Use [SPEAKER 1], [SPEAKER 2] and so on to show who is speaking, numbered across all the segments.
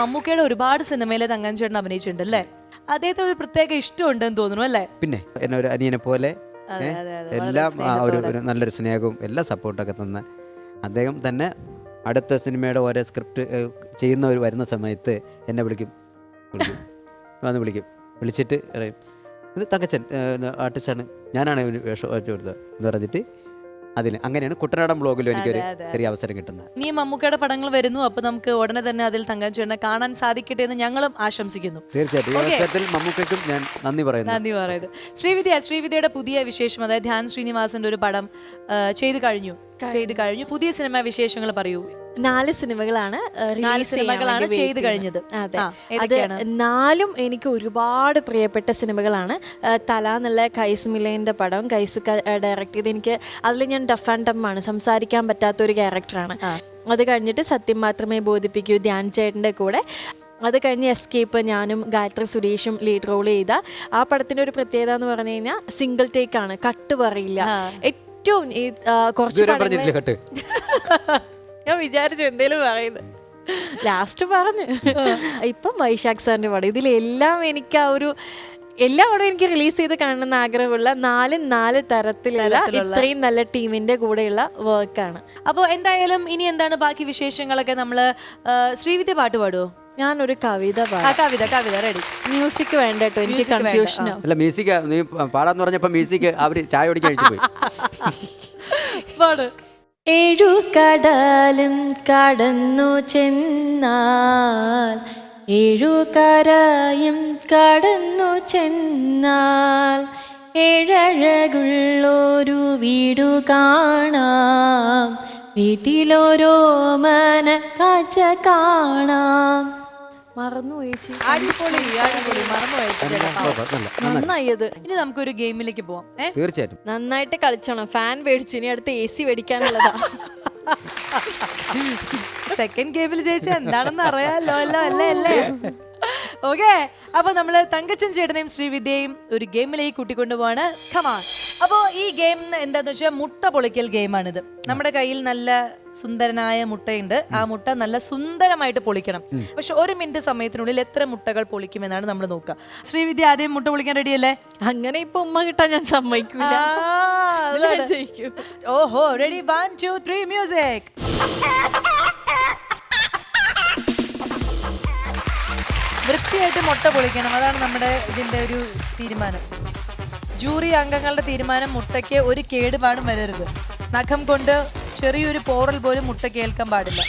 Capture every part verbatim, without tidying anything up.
[SPEAKER 1] മമ്മൂക്കയുടെ ഒരുപാട് സിനിമയിലെ തങ്കച്ചൻ ചേട്ടൻ അഭിനയിച്ചിട്ടുണ്ട് അല്ലേ? അദ്ദേഹത്തെ ഒരു പ്രത്യേക ഇഷ്ടമുണ്ടെന്ന് തോന്നുന്നു അല്ലേ?
[SPEAKER 2] പിന്നെ എന്നെ ഒരു അനിയനെ പോലെ എല്ലാം ആ ഒരു ഒരു നല്ലൊരു സ്നേഹവും എല്ലാ സപ്പോർട്ടൊക്കെ തന്ന് അദ്ദേഹം തന്നെ അടുത്ത സിനിമയുടെ ഓരോ സ്ക്രിപ്റ്റ് ചെയ്യുന്നവർ വരുന്ന സമയത്ത് എന്നെ വിളിക്കും വിളിക്കും വന്ന് വിളിക്കും വിളിച്ചിട്ട് പറയും ഇത് തങ്കച്ചൻ ആർട്ടിസ്റ്റാണ്, ഞാനാണ് ഇവന് വേഷം വെച്ച് കൊടുത്തത് എന്ന് പറഞ്ഞിട്ട് അതിന് അങ്ങനെയാണ് കുട്ടനാടൻ ബ്ലോഗിലും എനിക്കൊരു ചെറിയ അവസരം കിട്ടുന്നത്.
[SPEAKER 1] ഇനി മമ്മൂക്കയുടെ പടങ്ങൾ വരുന്നു, അപ്പൊ നമുക്ക് ഉടനെ തന്നെ അതിൽ തങ്കച്ചൻ ചേട്ടനെ കാണാൻ സാധിക്കട്ടെ എന്ന് ഞങ്ങളും ആശംസിക്കുന്നു.
[SPEAKER 2] തീർച്ചയായിട്ടും ഈ അവസരത്തിൽ മമ്മൂക്കയ്ക്കും ഞാൻ നന്ദി പറയുന്നു.
[SPEAKER 1] നന്ദി പറയുന്നത്. ശ്രീവിദ്യ, ശ്രീവിദ്യയുടെ പുതിയ വിശേഷം, അതായത് ധ്യാൻ ശ്രീനിവാസന്റെ ഒരു പടം ചെയ്തു കഴിഞ്ഞു ചെയ്തു കഴിഞ്ഞു പുതിയ സിനിമ വിശേഷങ്ങൾ പറയൂ.
[SPEAKER 3] നാല് സിനിമകളാണ്
[SPEAKER 1] നാല് സിനിമകളാണ് ചെയ്ത് കഴിഞ്ഞത്.
[SPEAKER 3] അതെ, അത് നാലും എനിക്ക് ഒരുപാട് പ്രിയപ്പെട്ട സിനിമകളാണ്. തല എന്നുള്ള കൈസ് മിലേൻ്റെ പടം കൈസ് ഡയറക്ട് ചെയ്ത്, എനിക്ക് അതിൽ ഞാൻ ഡഫ് ആൻഡ് ഡം ആണ്, സംസാരിക്കാൻ പറ്റാത്ത ഒരു ക്യാരക്ടറാണ്. അത് കഴിഞ്ഞിട്ട് സത്യം മാത്രമേ ബോധിപ്പിക്കൂ ധ്യാൻ ചേട്ടൻ്റെ കൂടെ. അത് കഴിഞ്ഞ് എസ്കേപ്പ് ഞാനും ഗായത്രി സുരേഷും ലീഡ് റോൾ ചെയ്ത ആ പടത്തിൻ്റെ ഒരു പ്രത്യേകത എന്ന് പറഞ്ഞു കഴിഞ്ഞാൽ സിംഗിൾ ടേക്ക് ആണ്, കട്ട് പറയില്ല. ഏറ്റവും ഈ കുറച്ച് ഞാൻ വിചാരിച്ചു എന്തേലും പറയുന്നത് ലാസ്റ്റ് പറഞ്ഞു. ഇപ്പം വൈശാഖ് സാറിൻ്റെ പടം, ഇതിലെല്ലാം എനിക്ക് ആ ഒരു എല്ലാ പടവും എനിക്ക് റിലീസ് ചെയ്ത് കാണണമെന്ന് ആഗ്രഹമുള്ള നാല് നാല് തരത്തിലുള്ള ഇത്രയും നല്ല ടീമിന്റെ കൂടെയുള്ള വർക്കാണ്.
[SPEAKER 1] അപ്പോൾ എന്തായാലും ഇനി എന്താണ് ബാക്കി വിശേഷങ്ങളൊക്കെ? നമ്മള് ശ്രീവിദ്യ പാട്ട് പാടുവോ?
[SPEAKER 3] ഞാനൊരു കവിത
[SPEAKER 1] കവിത കവിത റെഡി.
[SPEAKER 3] മ്യൂസിക് വേണ്ട കേട്ടോ, എനിക്ക് കൺഫ്യൂഷൻ.
[SPEAKER 2] അല്ല മ്യൂസിക് നീ പാടാന്ന് പറഞ്ഞപ്പോ മ്യൂസിക് അവര് ചായ കുടിക്കാൻ പോയി.
[SPEAKER 1] പാട്.
[SPEAKER 3] ഏഴു കടലും കടന്നു ചെന്നാൽ ഏഴു കരയും കടന്നു ചെന്നാൽ ഏഴഴകുള്ളൊരു വീടു കാണാം, വീട്ടിലോരോ മന കാഴ്ച കാണാം. മറന്നു പോയിച്ചു. നന്നായത്.
[SPEAKER 1] ഇനി നമുക്കൊരു ഗെയിമിലേക്ക് പോവാം.
[SPEAKER 2] തീർച്ചയായിട്ടും
[SPEAKER 3] നന്നായിട്ട് കളിച്ചോണം. ഫാൻ മേടിച്ചു, ഇനി അടുത്ത് എ സി മേടിക്കാനുള്ളതാ.
[SPEAKER 1] സെക്കൻഡ് ഗെയിമിൽ ജയിച്ച എന്താണെന്ന് അറിയാലോ അല്ലോ അല്ലേ അല്ലേ? ഓക്കെ, അപ്പൊ നമ്മള് തങ്കച്ചൻ ചേട്ടനെയും ശ്രീവിദ്യയും ഒരു ഗെയിമിലേക്ക് കൂട്ടിക്കൊണ്ടുപോവാണ്. കമാൺ. അപ്പോ ഈ ഗെയിം എന്താന്ന് വെച്ചാൽ മുട്ട പൊളിക്കൽ ഗെയിമാണിത്. നമ്മുടെ കയ്യിൽ നല്ല സുന്ദരനായ മുട്ടയുണ്ട്. ആ മുട്ട നല്ല സുന്ദരമായിട്ട് പൊളിക്കണം. പക്ഷെ ഒരു മിനിറ്റ് സമയത്തിനുള്ളിൽ എത്ര മുട്ടകൾ പൊളിക്കുമെന്നാണ് നമ്മൾ നോക്കുക. ശ്രീവിദ്യ ആദ്യം മുട്ട പൊളിക്കാൻ റെഡിയല്ലേ?
[SPEAKER 3] അങ്ങനെ ഇപ്പൊ ഉമ്മ കിട്ടാൻ ഞാൻ സമ്മതിക്കൂല.
[SPEAKER 1] ഓഹോ, ready? One two three music. വൃത്തിയായിട്ട് മുട്ട പൊളിക്കണം, അതാണ് നമ്മുടെ ഇതിന്റെ ഒരു തീരുമാനം. ജൂറി അംഗങ്ങളുടെ തീരുമാനം മുട്ടയ്ക്ക് ഒരു കേടുപാടും വരരുത്. നഖം കൊണ്ട് ചെറിയൊരു പോറൽ പോലും മുട്ട കേൾക്കാൻ പാടില്ല.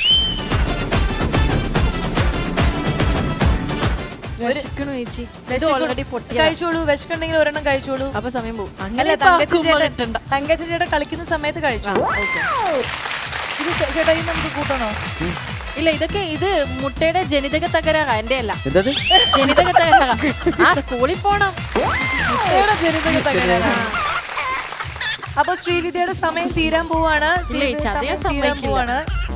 [SPEAKER 1] കഴിച്ചോളൂ, വിശക്കുണ്ടെങ്കിൽ ഒരെണ്ണം കഴിച്ചോളൂ.
[SPEAKER 3] അപ്പൊ സമയം പോകും.
[SPEAKER 1] അല്ല, തങ്കച്ചൻ ചേട്ടൻ തങ്കച്ചൻ ചേട്ടൻ കളിക്കുന്ന സമയത്ത് കഴിച്ചോളൂ. ഇത് ചേട്ടാ, ഇത് നമുക്ക് കൂട്ടണോ?
[SPEAKER 3] ഇല്ല, ഇതൊക്കെ ഇത് മുട്ടയുടെ ജനിതക തകരാറാ, എന്റെ അല്ല. ജനിതക തകരാറാ. ആ സ്കൂളിൽ പോണം.
[SPEAKER 1] മുട്ടയുടെ ജനിതക തകരാറാ. അപ്പൊ ശ്രീവിദ്യയുടെ സമയം തീരാൻ പോവാണ്. തീരാൻ പോവാണ്.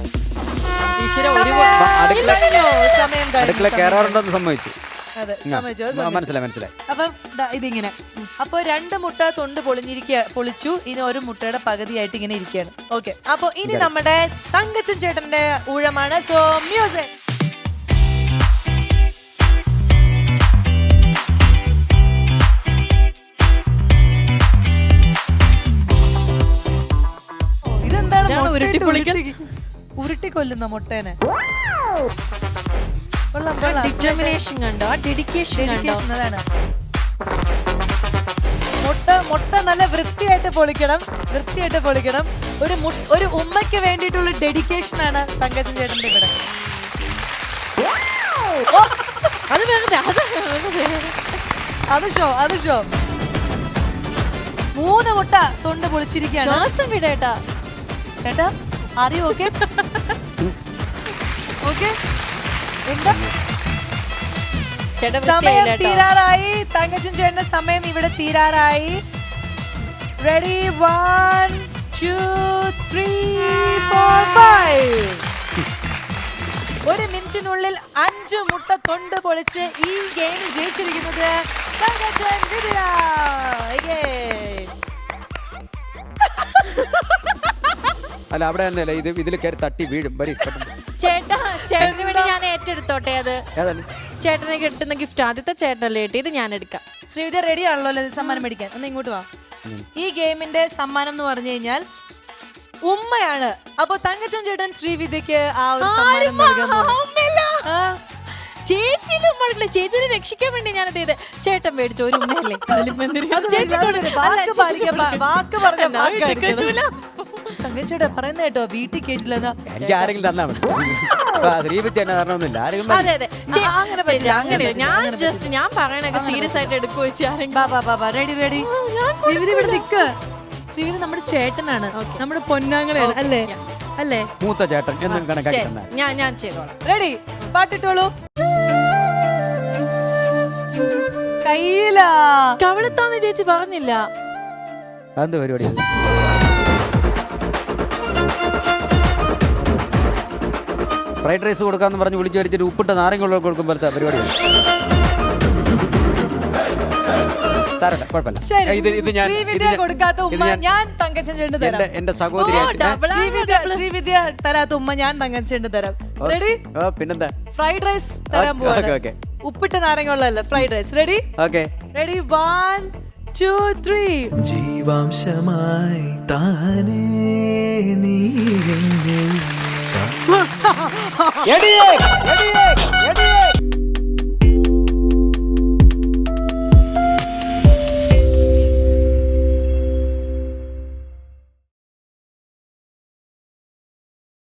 [SPEAKER 1] സമയം
[SPEAKER 2] കയറാറുണ്ടെന്ന് സമ്മതിച്ചു.
[SPEAKER 1] അതെ,
[SPEAKER 2] മനസ്സിലായി മനസ്സിലായി.
[SPEAKER 1] അപ്പം ഇതിങ്ങനെ, അപ്പൊ രണ്ട് മുട്ട തൊണ്ട് പൊളിഞ്ഞിരിക്കുക പൊളിച്ചു. ഇനി ഒരു മുട്ടയുടെ പകുതിയായിട്ട് ഇങ്ങനെ ഇരിക്കുകയാണ്. ഓക്കെ, അപ്പൊ ഇനി നമ്മുടെ തങ്കച്ചൻ ചേട്ടന്റെ ഊഴമാണ്. So music. ഇതെന്താണ്? ഉരുട്ടി കൊല്ലുന്ന മുട്ടേനെ.
[SPEAKER 3] ഡിറ്റർമിനേഷൻ കണ്ടോ, ഡെഡിക്കേഷൻ
[SPEAKER 1] അതാണ്. മുട്ട മുട്ട നല്ല വൃത്തിയായിട്ട് പൊളിക്കണം, വൃത്തിയായിട്ട് പൊളിക്കണം. ഒരു ഒരു ഉമ്മയ്ക്ക് വേണ്ടിയിട്ടുള്ള ഡെഡിക്കേഷൻ ആണ് തങ്കച്ചൻ ചേട്ടന്റെ ഇവിടെ. അത് ഷോ അത് ഷോ മൂന്ന് മുട്ട തൊണ്ട് പൊളിച്ചിരിക്കുകയാണ്.
[SPEAKER 3] ശ്വാസം വിടേട്ടാ
[SPEAKER 1] ചേട്ടാ, അറിയോ? Okay okay. എന്താ സമയം തീരാറായി. തങ്കച്ചൻ ചേട്ടന്റെ സമയം ഇവിടെ തീരാറായി. Ready? One two three four five. ഒരു മിനിറ്റിനുള്ളിൽ അഞ്ച് മുട്ട തൊണ്ട് പൊളിച്ച് ഈ ഗെയിം ജയിച്ചിരിക്കുന്നത് തങ്കച്ചൻ വിദ്യ.
[SPEAKER 2] അല്ല, അവിടെ തന്നെയല്ല, ഇത് ഇതിൽ കയറി തട്ടി വീഴും.
[SPEAKER 3] ചേട്ടാ ചേട്ടന് വേണ്ടി ഞാൻ ഏറ്റെടുത്തോട്ടെ അത്.
[SPEAKER 2] ഏതാണ്?
[SPEAKER 3] ചേട്ടന് കിട്ടുന്ന ഗിഫ്റ്റ് ആദ്യത്തെ ചേട്ടനല്ലേ കിട്ടി, ഇത് ഞാൻ എടുക്കാം.
[SPEAKER 1] ശ്രീവിദ്യ റെഡി ആണല്ലോ അല്ലേ സമ്മാനം മേടിക്കാൻ? ഒന്ന് ഇങ്ങോട്ട് വാ. ഈ ഗെയിമിന്റെ സമ്മാനം എന്ന് പറഞ്ഞു കഴിഞ്ഞാൽ ഉമ്മയാണ്. അപ്പൊ തങ്കച്ചൻ ചേട്ടൻ ശ്രീവിദ്യക്ക് ആ ഒരു സമ്മാനം നൽകാൻ പോകുന്നു. ആ,
[SPEAKER 3] ചേച്ചിയിലും ഉമ്മ ചേച്ചിനെ രക്ഷിക്കാൻ വേണ്ടി ഞാനത് ചെയ്ത് ചേട്ടൻ മേടിച്ചു ഒരു ഉമ്മയല്ലേ.
[SPEAKER 1] അത് വാക്ക് പാലിക്കാൻ പാ- വാക്ക് പറഞ്ഞ തങ്കച്ചേട്ടാ പറയുന്ന കേട്ടോ വീട്ടിൽ കേട്ടില്ലെന്നാ.
[SPEAKER 2] എനിക്ക് ആരെങ്കിലും തന്നാ മതി. ശ്രീവിദ്യ തന്നെ തരണമെന്നില്ല, ആരെങ്കിലും
[SPEAKER 3] അതെ അതെ ചേ-
[SPEAKER 1] അങ്ങനെ പറ്റില്ല,
[SPEAKER 3] ചേച്ചി,
[SPEAKER 1] അങ്ങനെ
[SPEAKER 3] അങ്ങനെ ഞാൻ ജസ്റ്റ് ഞാൻ പറയണൊക്കെ സീരിയസ് ആയിട്ട് എടുക്കുക വെച്ച് ആരെങ്കിലും.
[SPEAKER 1] ബാ ബാ ബാ ബാ റെഡി റെഡി. ശ്രീവിദ്യ ഇവിടെ നിക്ക്. ശ്രീവിദ്യ നമ്മുടെ ചേട്ടനാണ്, നമ്മുടെ പൊന്നാങ്ങളാണ് അല്ലേ? അല്ലേ?
[SPEAKER 2] മൂത്ത ചേട്ടൻ എന്നും കണക്കാക്കി
[SPEAKER 3] ശരി,
[SPEAKER 2] തന്നാൽ
[SPEAKER 3] ഞാൻ ഞാൻ ചെയ്തോളാം.
[SPEAKER 1] റെഡി? പാട്ടിട്ടോളൂ. കയ്യിലാ
[SPEAKER 3] കവിളത്താന്ന് ചേച്ചി പറഞ്ഞില്ല.
[SPEAKER 2] എന്ത് പരിപാടി? ഫ്രൈഡ് റൈസ് കൊടുക്കാന്ന് പറഞ്ഞ് വിളിച്ചു വരിച്ചിട്ട് ഉപ്പിട്ട നാരങ്ങ കൊടുക്കും പോലത്തെ പരിപാടിയാണ്. സാരമില്ല, കുഴപ്പമില്ല.
[SPEAKER 1] ശരി.
[SPEAKER 2] ഇത് ഇത് ഞാൻ ഇത്
[SPEAKER 1] ശ്രീവിദ്യ
[SPEAKER 2] ഞാൻ-
[SPEAKER 1] കൊടുക്കാത്ത
[SPEAKER 2] ഇത്
[SPEAKER 1] ഉമ്മ
[SPEAKER 2] ഞാൻ
[SPEAKER 1] ഞാൻ തങ്കച്ചൻ ചേട്ടന് തരാം.
[SPEAKER 2] എന്റെ എന്റെ സഹോദരിയായിട്ട്
[SPEAKER 3] ഡബിൾ
[SPEAKER 1] ശ്രീവിദ്യ ശ്രീവിദ്യ തരാത്ത ഉമ്മ ഞാൻ തങ്കച്ചേട്ടന് തരാം. റെഡി?
[SPEAKER 2] ഓ പിന്നെന്താ?
[SPEAKER 1] ഫ്രൈഡ് റൈസ് തരാൻ
[SPEAKER 2] ഓക്കേ,
[SPEAKER 1] പോവാണ്.
[SPEAKER 2] ഓക്കേ.
[SPEAKER 1] ഉപ്പിട്ട നാരങ്ങ ഉള്ളതല്ല fried rice. Ready?
[SPEAKER 2] Okay.
[SPEAKER 1] Ready? One two three.
[SPEAKER 4] ജീവാംശമായി താനേ നീ എന്നിൽ
[SPEAKER 2] എടിയേ, എടിയേ.